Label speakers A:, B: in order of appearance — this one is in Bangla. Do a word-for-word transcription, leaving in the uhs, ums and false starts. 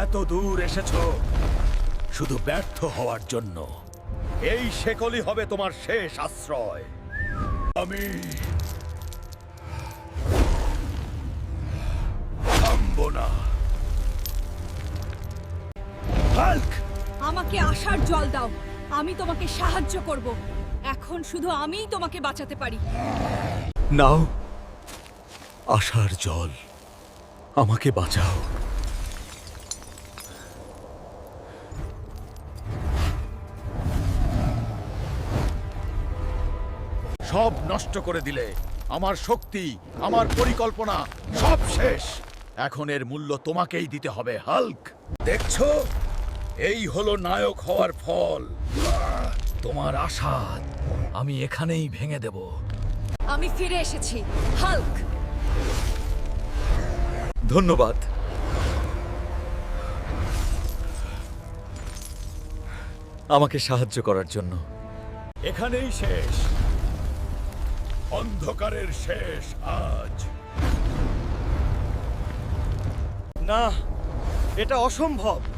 A: এত দূর এসেছো শুধু ব্যর্থ হওয়ার জন্য। এই শেকলই হবে তোমার শেষ আশ্রয়। আমি থামবো না। হাল্ক!
B: আমাকে আশার জল দাও, আমি তোমাকে সাহায্য করব। এখন শুধু আমিই তোমাকে বাঁচাতে পারি।
A: নাও আশার জল, আমাকে বাঁচাও। সব নষ্ট করে দিলে। আমার শক্তি, আমার পরিকল্পনা সব শেষ। এখন এর মূল্য তোমাকেই দিতে হবে, হাল্ক। দেখছো, এই হলো নায়ক হওয়ার ফল। তোমার আশা আমি এখানেই ভেঙে দেব।
B: আমি ফিরে এসেছি, হাল্ক।
A: ধন্যবাদ। আমাকে সাহায্য করার জন্য। এখানেই শেষ, অন্ধকারের শেষ আজ।
C: না, এটা অসম্ভব।